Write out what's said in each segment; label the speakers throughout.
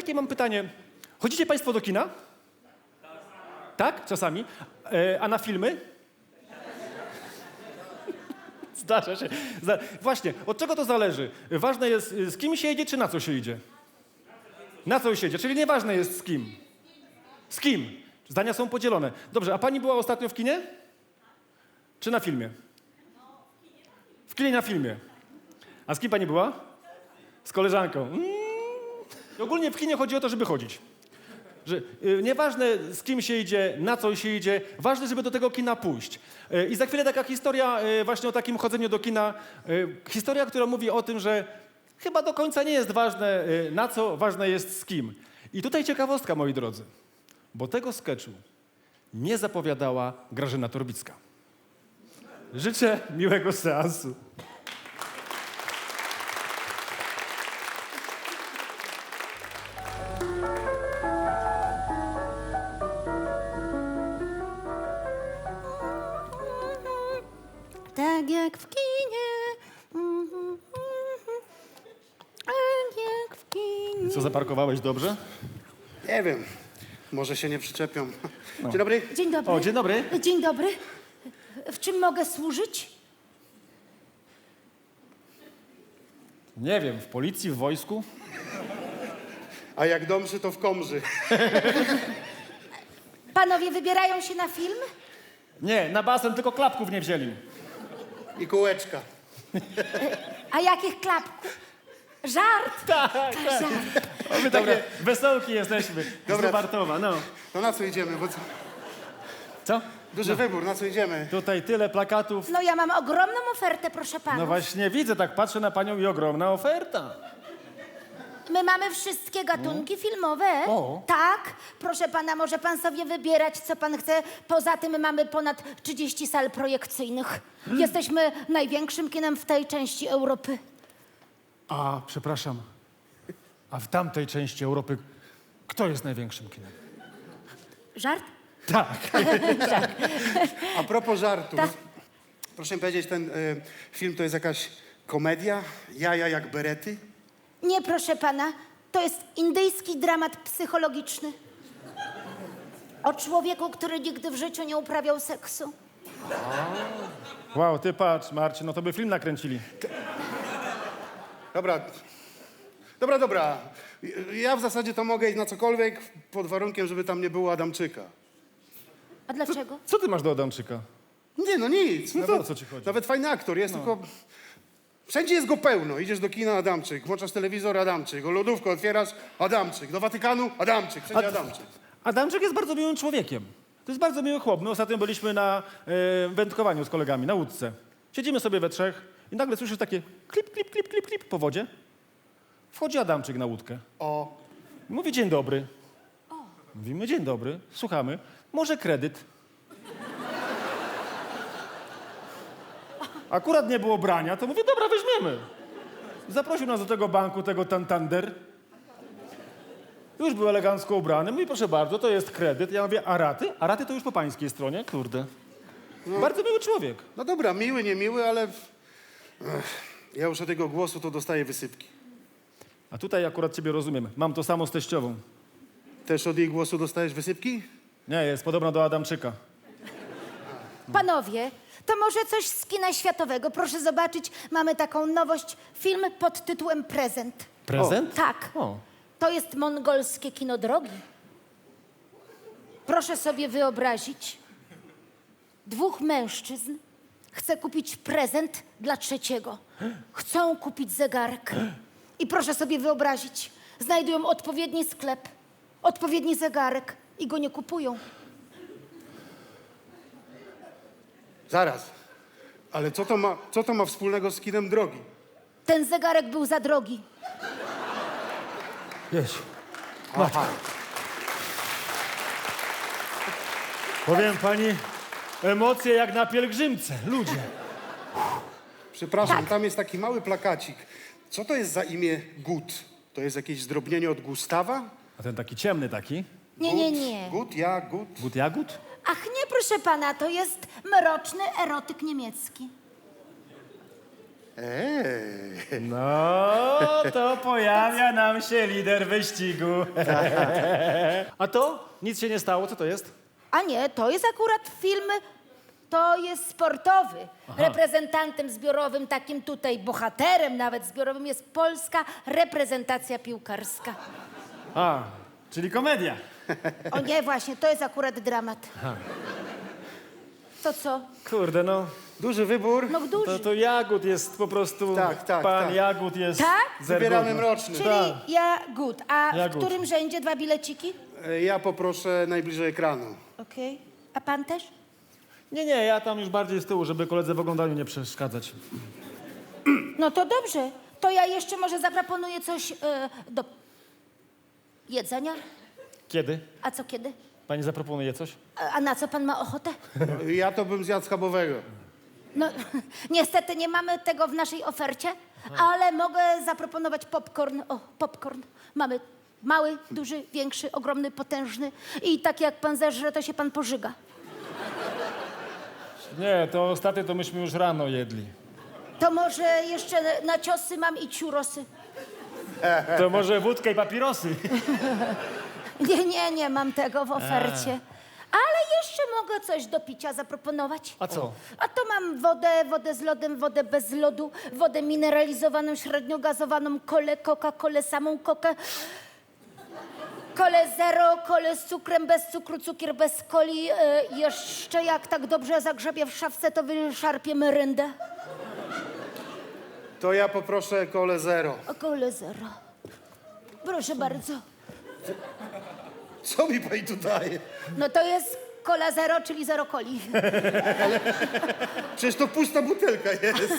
Speaker 1: takie mam pytanie. Chodzicie państwo do kina? Tak? Czasami. A na filmy? Zdarza się. Właśnie, od czego to zależy? Ważne jest, z kim się jedzie, czy na co się idzie? Na co się jedzie, czyli nieważne jest z kim. Z kim? Zdania są podzielone. Dobrze, a pani była ostatnio w kinie? Czy na filmie? W kinie, na filmie. A z kim pani była? Z koleżanką. I ogólnie w kinie chodzi o to, żeby chodzić. Że nieważne z kim się idzie, na co się idzie, ważne, żeby do tego kina pójść. I za chwilę taka historia właśnie o takim chodzeniu do kina. Historia, która mówi o tym, że chyba do końca nie jest ważne na co, ważne jest z kim. I tutaj ciekawostka, moi drodzy, bo tego sketchu nie zapowiadała Grażyna Torbicka. Życzę miłego seansu.
Speaker 2: Tak jak w kinie. Tak jak w kinie.
Speaker 1: Co, zaparkowałeś dobrze?
Speaker 3: Nie wiem, może się nie przyczepią. Dzień dobry.
Speaker 2: Dzień dobry.
Speaker 1: O, dzień dobry.
Speaker 2: Dzień dobry. W czym mogę służyć?
Speaker 1: Nie wiem, w policji, w wojsku?
Speaker 3: A jak domszy, to w komży.
Speaker 2: Panowie wybierają się na film?
Speaker 1: Nie, na basen tylko klapków nie wzięli.
Speaker 3: I kółeczka.
Speaker 2: A jakich klapków? Żart?
Speaker 1: Tak.
Speaker 2: Żart.
Speaker 1: My takie wesołki jesteśmy.
Speaker 3: Dobra.
Speaker 1: Z Bartowa, no.
Speaker 3: To na co idziemy? Bo
Speaker 1: Co?
Speaker 3: duży wybór, na co idziemy?
Speaker 1: Tutaj tyle plakatów.
Speaker 2: No ja mam ogromną ofertę, proszę pana.
Speaker 1: No właśnie widzę, tak patrzę na panią i ogromna oferta.
Speaker 2: My mamy wszystkie gatunki filmowe.
Speaker 1: O.
Speaker 2: Tak, proszę pana, może pan sobie wybierać, co pan chce. Poza tym mamy ponad 30 sal projekcyjnych. Jesteśmy największym kinem w tej części Europy.
Speaker 1: A, przepraszam. A w tamtej części Europy kto jest największym kinem?
Speaker 2: Żart?
Speaker 1: Tak.
Speaker 3: A propos żartów.
Speaker 2: Tak.
Speaker 3: Proszę mi powiedzieć, ten film to jest jakaś komedia? Jaja jak berety?
Speaker 2: Nie, proszę pana, to jest indyjski dramat psychologiczny. O człowieku, który nigdy w życiu nie uprawiał seksu.
Speaker 1: Wow, ty patrz, Marcin, no to by film nakręcili.
Speaker 3: Dobra. Ja w zasadzie to mogę iść na cokolwiek, pod warunkiem, żeby tam nie było Adamczyka.
Speaker 2: A dlaczego?
Speaker 1: Co ty masz do Adamczyka?
Speaker 3: Nie, no nic.
Speaker 1: No to o co ci chodzi?
Speaker 3: Nawet fajny aktor jest, tylko... Wszędzie jest go pełno. Idziesz do kina, Adamczyk. Włączasz telewizor, Adamczyk. O lodówkę otwierasz, Adamczyk. Do Watykanu, Adamczyk. Wszędzie Adamczyk.
Speaker 1: Adamczyk jest bardzo miłym człowiekiem. To jest bardzo miły chłop. My ostatnio byliśmy na wędkowaniu z kolegami, na łódce. Siedzimy sobie we trzech i nagle słyszysz takie klip, klip, klip, klip, klip po wodzie. Wchodzi Adamczyk na łódkę.
Speaker 3: O,
Speaker 1: Mówi dzień dobry. Mówimy dzień dobry, słuchamy. Może kredyt. Akurat nie było brania, to mówię, dobra, weźmiemy. Zaprosił nas do tego banku, tego Santander. Już był elegancko ubrany. Mówi, proszę bardzo, to jest kredyt. Ja mówię, a raty? A raty to już po pańskiej stronie, kurde. Bardzo miły człowiek.
Speaker 3: no dobra, miły, niemiły, ale... ja już od tego głosu to dostaję wysypki.
Speaker 1: A tutaj akurat ciebie rozumiem. Mam to samo z teściową.
Speaker 3: Też od jej głosu dostajesz wysypki?
Speaker 1: Nie, jest podobna do Adamczyka.
Speaker 2: Panowie, to może coś z kina światowego. Proszę zobaczyć, mamy taką nowość. Film pod tytułem Prezent.
Speaker 1: Prezent?
Speaker 2: Tak.
Speaker 1: O.
Speaker 2: To jest mongolskie kino drogi. Proszę sobie wyobrazić. 2 mężczyzn chce kupić prezent dla trzeciego. Chcą kupić zegarek. I proszę sobie wyobrazić, znajdują odpowiedni sklep, odpowiedni zegarek i go nie kupują.
Speaker 3: Zaraz. Ale co to ma wspólnego z kinem drogi?
Speaker 2: Ten zegarek był za drogi.
Speaker 1: Jeź.
Speaker 3: Aha.
Speaker 1: Powiem pani, emocje jak na pielgrzymce. Ludzie.
Speaker 3: Przepraszam,
Speaker 2: Tak.
Speaker 3: tam jest taki mały plakacik. Co to jest za imię Gut? To jest jakieś zdrobnienie od Gustawa?
Speaker 1: A ten taki ciemny taki?
Speaker 2: Nie.
Speaker 3: Gut, ja, Gut.
Speaker 1: Gut jagód?
Speaker 2: Ach nie, proszę pana, to jest mroczny erotyk niemiecki.
Speaker 1: No, to pojawia nam się lider wyścigu. A to? Nic się nie stało, co to jest?
Speaker 2: A nie, to jest akurat film, to jest sportowy. Reprezentantem zbiorowym, takim tutaj bohaterem nawet zbiorowym jest polska reprezentacja piłkarska.
Speaker 1: A, czyli komedia.
Speaker 2: O nie, właśnie, to jest akurat dramat. To co?
Speaker 1: Kurde, no.
Speaker 3: Duży wybór.
Speaker 2: No duży.
Speaker 1: To Jagód jest po prostu...
Speaker 3: Tak, tak,
Speaker 1: Pan
Speaker 3: tak.
Speaker 1: Jagód jest...
Speaker 2: Tak?
Speaker 3: Wybieramy
Speaker 1: zergudny.
Speaker 3: mroczny.
Speaker 2: Czyli
Speaker 1: Tak.
Speaker 2: Jagód. A
Speaker 1: Jagód.
Speaker 2: w którym rzędzie 2 bileciki?
Speaker 3: Ja poproszę najbliżej ekranu.
Speaker 2: Okej. A pan też?
Speaker 1: Nie, ja tam już bardziej z tyłu, żeby koledze w oglądaniu nie przeszkadzać.
Speaker 2: No to dobrze. To ja jeszcze może zaproponuję coś do jedzenia.
Speaker 1: Kiedy?
Speaker 2: A co kiedy?
Speaker 1: Pani zaproponuje coś?
Speaker 2: A na co pan ma ochotę?
Speaker 3: Ja to bym zjadł schabowego.
Speaker 2: No, niestety nie mamy tego w naszej ofercie, ale mogę zaproponować popcorn. O, popcorn. Mamy mały, duży, większy, ogromny, potężny i tak jak pan zeżre, to się pan pożyga.
Speaker 1: Nie, to ostatnie to myśmy już rano jedli.
Speaker 2: To może jeszcze na ciosy mam i ciurosy.
Speaker 1: To może wódkę i papierosy.
Speaker 2: Nie mam tego w ofercie. Ale jeszcze mogę coś do picia zaproponować.
Speaker 1: A co?
Speaker 2: A to mam wodę z lodem, wodę bez lodu, wodę mineralizowaną, średnio gazowaną, kolę, Coca-Colę, samą kokę, kolę zero, kolę z cukrem, bez cukru, cukier bez coli. Jeszcze jak tak dobrze zagrzebię w szafce, to wyszarpię meryndę.
Speaker 3: To ja poproszę kolę zero.
Speaker 2: O, kolę zero. Proszę bardzo.
Speaker 3: Co mi pani tu daje?
Speaker 2: No to jest kola zero, czyli zero coli.
Speaker 3: Przecież to pusta butelka jest.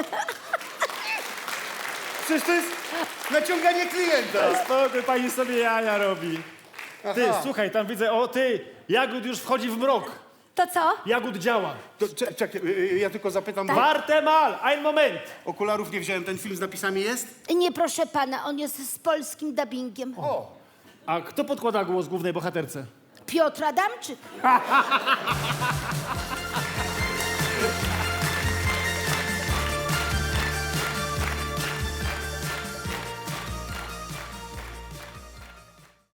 Speaker 3: Przecież to jest naciąganie klienta.
Speaker 1: Spokój, pani sobie jaja robi. Ty,
Speaker 3: Aha.
Speaker 1: słuchaj, tam widzę, o ty, Jagód już wchodzi w mrok.
Speaker 2: To co?
Speaker 1: Jagód działa.
Speaker 3: To, czekaj, ja tylko zapytam, bo
Speaker 1: Warte mal, ein Moment.
Speaker 3: okularów nie wziąłem. Ten film z napisami jest?
Speaker 2: Nie, proszę pana, on jest z polskim dubbingiem.
Speaker 3: O,
Speaker 1: A kto podkłada głos głównej bohaterce?
Speaker 2: Piotr Adamczyk.